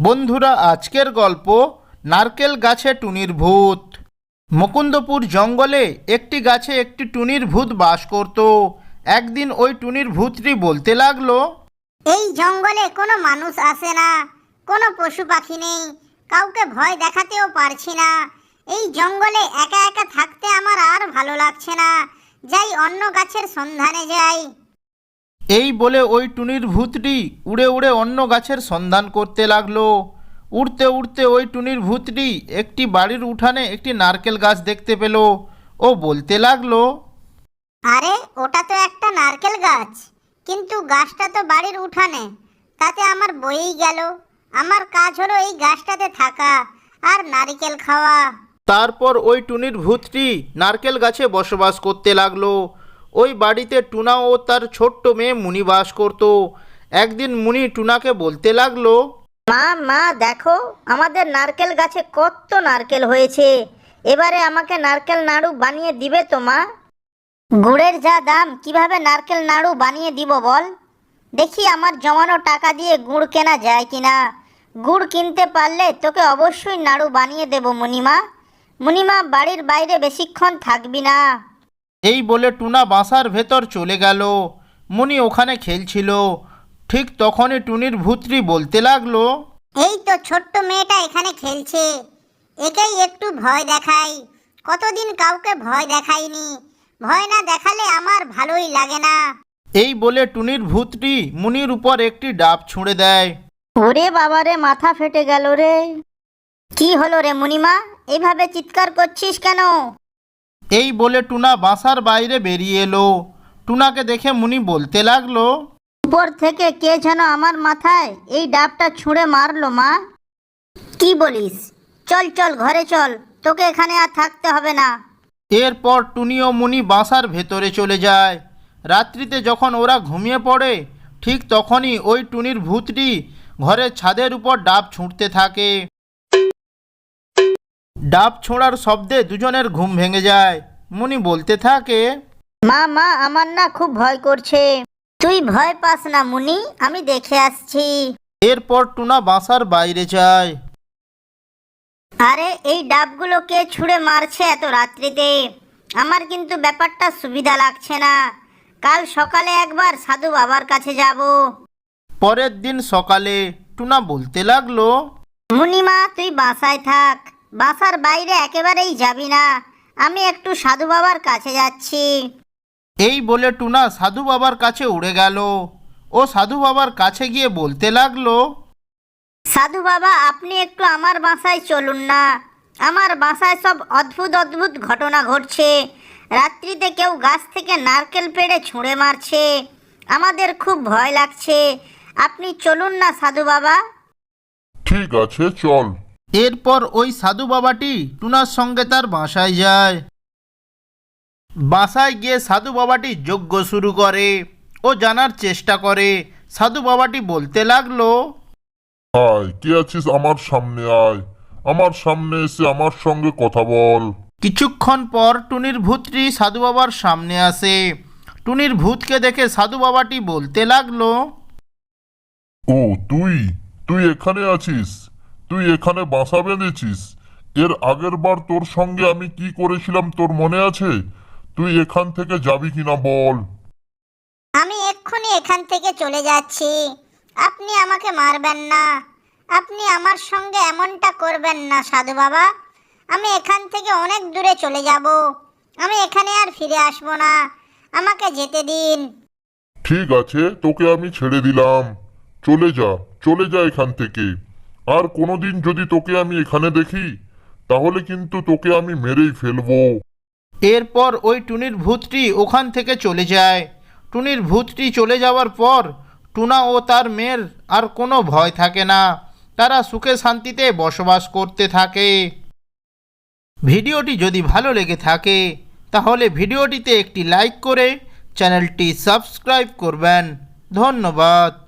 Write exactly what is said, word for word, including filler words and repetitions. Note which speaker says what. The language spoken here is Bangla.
Speaker 1: বন্ধুরা, আজকের গল্প নারকেল গাছে টুনির ভূত। মুকুন্দপুর জঙ্গলে একটি গাছে একটি টুনির ভূত বাস করত। একদিন ওই টুনির ভূতটি বলতে লাগলো,
Speaker 2: এই জঙ্গলে কোনো মানুষ আসে না, কোনো পশু পাখি নেই, কাউকে ভয় দেখাতেও পারছি না। এই জঙ্গলে একা একা থাকতে আমার আর ভালো লাগছে না, যাই অন্য গাছের সন্ধানে যাই।
Speaker 1: এই বলে ওই টুনির ভূতটি উড়ে উড়ে অন্য গাছের সন্ধান করতে লাগলো। উড়তে উড়তে ওই টুনির ভূতটি একটি বাড়ির উঠানে একটি নারকেল গাছ দেখতে পেল। ও বলতে লাগলো,
Speaker 2: আরে ওটা তো একটা নারকেল গাছ, কিন্তু গাছটা তো বাড়ির উঠানে, তাতে আমার বয়েই গেল। আমার কাজ হলো এই গাছটাতে থাকা আর নারকেল খাওয়া।
Speaker 1: তারপর ওই টুনির ভূতটি নারকেল গাছে বসবাস করতে লাগলো। ওই বাড়িতে টুনা ও তার ছোট্ট মেয়ে মুনি বাস করত। একদিন মুনি টুনাকে বলতে লাগলো,
Speaker 2: মা মা দেখো, আমাদের নারকেল গাছে কত নারকেল হয়েছে, এবারে আমাকে নারকেল নাড়ু বানিয়ে দিবে তো মা? গুড়ের যা দাম, কিভাবে নারকেল নাড়ু বানিয়ে দিব বল? দেখি আমার জমানো টাকা দিয়ে গুড় কেনা যায় কিনা। গুড় কিনতে পারলে তোকে অবশ্যই নাড়ু বানিয়ে দেব মুনিমা। মুনিমা, বাড়ির বাইরে বেশিক্ষণ থাকবি না।
Speaker 1: এই বলে টুনা বাসার ভেতর চলে গেল। মুনি ওখানে খেলছিল। ঠিক তখনই টুনির ভূতটি বলতে লাগলো,
Speaker 2: এই তো ছোট্ট মেয়েটা এখানে খেলছে, একেই একটু ভয় দেখাই। কতদিন কাউকে ভয় দেখাইনি, ভয় না দেখালে আমার ভালোই লাগে না।
Speaker 1: এই বলে টুনির ভূতটি মুনির উপর একটি ডাব ছুঁড়ে দেয়।
Speaker 2: ওরে বাবারে, মাথা ফেটে গেল রে। কি হলো রে মুনিমা, এইভাবে চিৎকার করছিস কেন?
Speaker 1: এই বলে টুনা বাসার বাইরে বেরিয়ে এলো। টুনাকে দেখে মুনি বলতে লাগলো,
Speaker 2: উপর থেকে কে যেন আমার মাথায় এই ডাবটা ছুঁড়ে মারলো মা। কি বলিস? চল চল ঘরে চল, তোকে এখানে আর থাকতে হবে না।
Speaker 1: এরপর টুনি ও মুনি বাসার ভেতরে চলে যায়। রাত্রিতে যখন ওরা ঘুমিয়ে পড়ে, ঠিক তখনই ওই টুনির ভূতটি ঘরের ছাদের উপর ডাব ছুঁড়তে থাকে। ডাব ছোঁড়ার শব্দে দুজনের ঘুম ভেঙে যায়। মুনি বলতে থাকে,
Speaker 2: মা মা, আমার না খুব ভয় করছে। তুই ভয় পাস না মুনি, আমি দেখে আসছি।
Speaker 1: এরপর টুনা বাসার বাইরে যায়।
Speaker 2: আরে এই ডাবগুলো কে ছুঁড়ে মারছে এত রাত্রিতে? আমার কিন্তু ব্যাপারটা সুবিধা লাগছে না। কাল সকালে একবার সাধু বাবার কাছে যাব।
Speaker 1: পরের দিন সকালে টুনা বলতে লাগলো,
Speaker 2: মুনিমা, তুই বাসায় থাক, বাসার বাইরে একেবারেই যাবি না। আমি একটু সাধু বাবার কাছে যাচ্ছি।
Speaker 1: এই বলে টুনা সাধু বাবার কাছে উড়ে গেল। ও সাধু বাবার কাছে গিয়ে বলতে লাগলো,
Speaker 2: সাধু বাবা, আপনি একটু আমার বাসায় চলুন না। আমার বাসায় সব অদ্ভুত অদ্ভুত ঘটনা ঘটছে। রাত্রিতে কেউ গাছ থেকে নারকেল পেড়ে ছুঁড়ে মারছে, আমাদের খুব ভয় লাগছে। আপনি চলুন না সাধু বাবা।
Speaker 3: ঠিক আছে, চল।
Speaker 1: এরপর ওই সাধু বাবাটি টুনার সঙ্গে তার বাসায় যায়। বাসায় গিয়ে সাধু বাবাটি যজ্ঞ শুরু করে। ও জানার চেষ্টা করে। সাধু বাবাটি বলতে লাগলো,
Speaker 3: আয়, কে আছিস আমার সামনে আয়, আমার সামনে এসে আমার সঙ্গে কথা বল।
Speaker 1: কিছুক্ষণ পর টুনির ভূতটি সাধু বাবার সামনে আসে। টুনির ভূতকে দেখে সাধু বাবাটি বলতে লাগলো,
Speaker 3: ও তুই তুই এখানে আছিস? তুই এখানে বাসা বেঁধেছিস? এর আগের বার তোর সঙ্গে আমি কি করেছিলাম তোর মনে আছে? তুই এখান থেকে যাবি কিনা বল।
Speaker 2: আমি এক্ষুনি এখান থেকে চলে যাচ্ছি। আপনি আমাকে মারবেন না, আপনি আমার সঙ্গে এমনটা করবেন না সাধু বাবা। আমি এখান থেকে অনেক দূরে চলে যাব, আমি এখানে আর ফিরে আসবো না, আমাকে যেতে দিন।
Speaker 3: ঠিক আছে, তোকে আমি ছেড়ে দিলাম। চলে যা, চলে যা এখান থেকে। আর কোনোদিন যদি তোকে আমি এখানে দেখি, তাহলে কিন্তু তোকে আমি মেরেই ফেলবো।
Speaker 1: এরপর ওই টুনির ভূতটি ওখান থেকে চলে যায়। টুনির ভূতটি চলে যাওয়ার পর টুনা ও তার মেয়ের আর কোনো ভয় থাকে না। তারা সুখে শান্তিতে বসবাস করতে থাকে। ভিডিওটি যদি ভালো লেগে থাকে তাহলে ভিডিওটিতে একটি লাইক করে চ্যানেলটি সাবস্ক্রাইব করবেন। ধন্যবাদ।